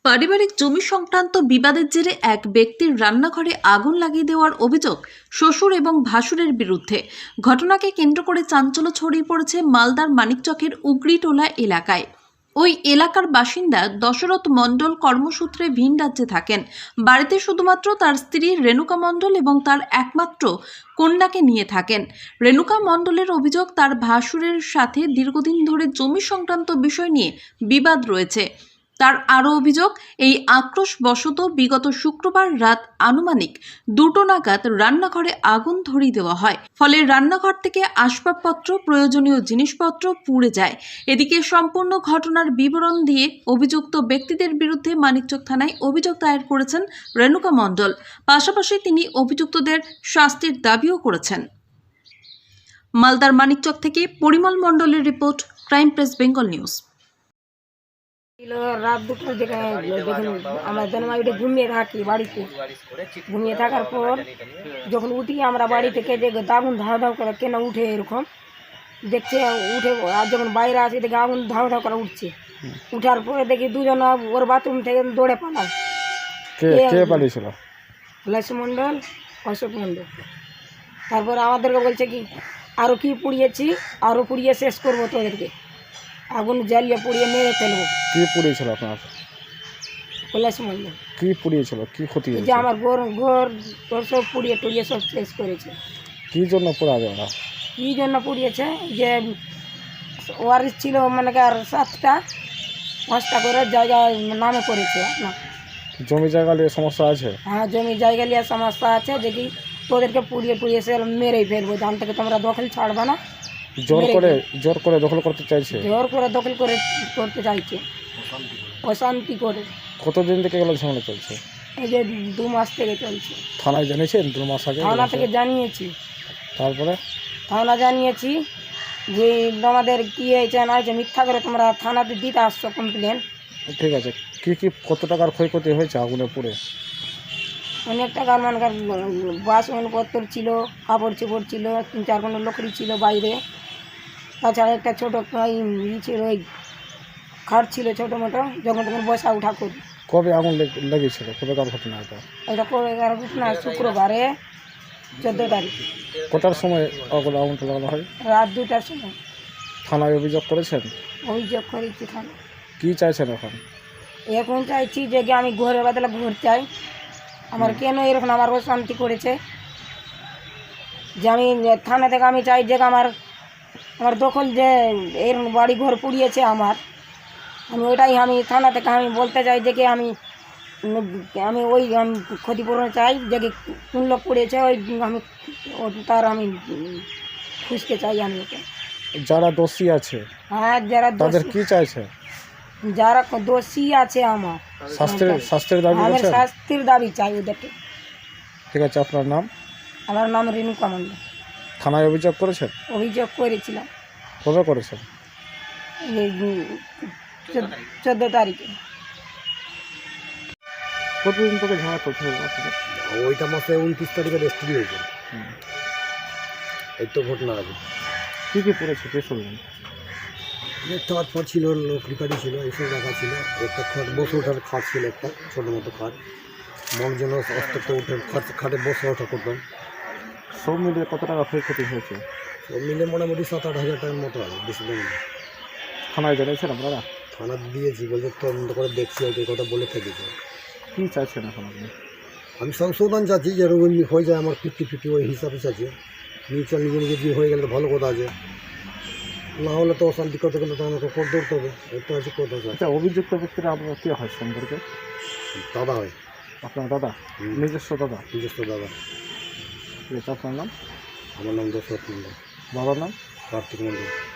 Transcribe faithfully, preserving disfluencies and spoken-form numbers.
পারিবারিক জমি সংক্রান্ত বিবাদের জেরে এক ব্যক্তির রান্নাঘরে আগুন লাগিয়ে দেওয়ার অভিযোগ শ্বশুর এবং ভাসুরের বিরুদ্ধে। ঘটনাকে কেন্দ্র করে চাঞ্চল্য ছড়িয়ে পড়েছে মালদার মানিকচকের উগরিটোলা এলাকায়। ওই এলাকার বাসিন্দা দশরথ মণ্ডল কর্মসূত্রে ভিন রাজ্যে থাকেন। বাড়িতে শুধুমাত্র তার স্ত্রী রেণুকা মণ্ডল এবং তার একমাত্র কন্যাকে নিয়ে থাকেন। রেণুকা মণ্ডলের অভিযোগ, তার ভাসুরের সাথে দীর্ঘদিন ধরে জমি সংক্রান্ত বিষয় নিয়ে বিবাদ রয়েছে। তার আরও অভিযোগ, এই আক্রোশবশত বিগত শুক্রবার রাত আনুমানিক দুটো নাগাদ রান্নাঘরে আগুন ধরিয়ে দেওয়া হয়। ফলে রান্নাঘর থেকে আসবাবপত্র, প্রয়োজনীয় জিনিসপত্র পুড়ে যায়। এদিকে সম্পূর্ণ ঘটনার বিবরণ দিয়ে অভিযুক্ত ব্যক্তিদের বিরুদ্ধে মানিকচক থানায় অভিযোগ দায়ের করেছেন রেণুকা মণ্ডল। পাশাপাশি তিনি অভিযুক্তদের শাস্তির দাবিও করেছেন। মালদার মানিকচক থেকে পরিমল মণ্ডলের report, crime press Bengal news. রাত দুটোর দিকে দেখুন আমরা জন্মাইটে ঘুমিয়ে থাকি, বাড়িতে ঘুমিয়ে থাকার পর যখন উঠি আমরা বাড়ি থেকে যে আগুন ধাও ধাও করে কেন উঠে এরকম দেখছে, উঠে আর যখন বাইরে আসি দেখি আগুন ধাও ধাও করে উঠছে। উঠার পরে দেখি দুজন ওর বাথরুম থেকে দৌড়ে পালায়। লাসি মণ্ডল, অশোক মণ্ডল। তারপরে আমাদেরকে বলছে কি আরও কি পুড়িয়েছি, আরও পুড়িয়ে শেষ করবো তোদেরকে, আগুন জ্বালিয়ে পুড়িয়ে মেরে ফেলবো। কি পুড়িয়েছিল আপনার? কৈলাস মণ্ডল। কি পুড়িয়েছিল, কি ক্ষতি হয়েছে? যে আমার ঘর ঘর ঘর সব পুড়িয়ে টুড়িয়ে সব শেষ করেছে। কি জন্য পোড়াবে ওরা? কী জন্য পুড়িয়েছে, যে ওয়ারিস ছিল মানে কি আর সাতটা পাঁচটা করে জায়গায় নামে করেছে না। জমি জায়গা নিয়ে সমস্যা আছে? হ্যাঁ, জমি জায়গা নিয়ে সমস্যা আছে, যে কি তোদেরকে পুড়িয়ে টুড়িয়ে সে মেরেই ফেলবো, জান থেকে তোমরা দখল ছাড়বে না। জোর করে জোর করে দখল করতে চাইছে? জোর করে দখল করে করতে চাইছে, অশান্তি করে। কতদিন থেকে এগুলো ঝামেলা চলছে? এই যে দু মাস থেকে চলছে। থানায় জানিয়েছেন? দু মাস আগে থানা থেকে জানিয়েছি। তারপরে থানা জানিয়েছি যে আমাদের কী হয়েছে না হয়েছে, মিথ্যা করে তোমরা থানাতে দিতে আসছো কমপ্লেন। ঠিক আছে, কি কি কত টাকার ক্ষয়ক্ষতি হয়েছে আগুনে পুড়ে? অনেক টাকার মানকার বাসনপত্র ছিল, কাপড় চোপড় ছিল, তিন চার কোনো লকড়ি ছিল বাইরে। তাছাড়া একটা ছোটো ই ছিল, ওই খাট ছিল ছোটো মোটো, যখন তখন বসা উঠা করি। কবে আগুন লেগেছিল? কবেকার ঘটনা এটা? এটা কবে এগারো ঘটনা, শুক্রবারে চোদ্দো তারিখ। কটার সময় আগুন আগুনটা লাগানো হয়? রাত দুটার সময়। থানায় অভিযোগ করেছেন? অভিযোগ করেছি থানা। কী চাইছেন এখন? এখন চাইছি যে কি আমি ঘরের বদলে ঘর চাই। আমার কেন এরকম আমার অশান্তি করেছে, যে আমি থানা থেকে আমি চাই যে আমার আমার দখল যে এরকম বাড়ি ঘর পুড়িয়েছে আমার, আমি ওইটাই আমি থানা থেকে আমি বলতে চাই যে কি আমি আমি ওই আমি ক্ষতিপূরণ চাই, যে কি কোন লোক পুড়িয়েছে ওই আমি তার আমি খুঁজতে চাই। আমি ওটা যারা দোষী আছে, হ্যাঁ যারা তাদের কি চাইছে? যারা দোষী আছে আমার শাস্তির শাস্তির দাবি আমি করছেন? শাস্তির দাবি চাই ওদেরকে। ঠিক আছে, আপনার নাম? আমার নাম রেণুকা মণ্ডল। থানায় অভিযোগ করেছেন? অভিযোগ করেছিলাম। কবে করেছেন? এই চোদ্দো তারিখে। কতদিন থেকে ঝামেলা চলছে? ওইটা মাসে উনত্রিশ তারিখে রেজিস্ট্রি হয়েছে। এই তো ঘটনা আছে। কী কী পড়েছে কে শুনলেন? একটা খাট ছিল, লকড়ি কাঠি ছিল, এইসব রাখা ছিল। একটা খাট বসে ওঠার খাট ছিল, একটা ছোটো মতো খাট, মন যেন অস্ত উঠে খাট খাটে বসে ওঠা করতাম। সব মিলিয়ে কত টাকা ক্ষয়ক্ষতি হয়েছে? সব মিলে মোটামুটি সাত আট হাজার টাকার মতো আছে, বেশি দাম না। থানায় জানিয়েছেন আপনারা? থানা দিয়েছি, বলছে তদন্ত করে দেখছি, ওই কথা বলে থেকেছে। কী চাইছেন এখন আপনি? আমি সংশোধন চাচ্ছি, যেরকম হয়ে যায় আমার ফিফটি ফিফটি ওই হিসাবে চাচ্ছি। নিচে নিজে নিজে দিয়ে হয়ে গেলে তো ভালো কথা আছে, না হলে তো অশান্তি করতে গেলে তো আমাকে কোর্ট ধরতে হবে। এটা হচ্ছে কথা। আচ্ছা, অভিযুক্ত ব্যক্তিরা আপনার কী হয় সম্পর্কে? দাদা হয়। আপনার দাদা? নিজস্ব দাদা? নিজস্ব দাদা। ঠিক আছে, আপনার নাম? আমার নাম দশরথ মণ্ডল। বাবার নাম? কার্তিক মণ্ডল।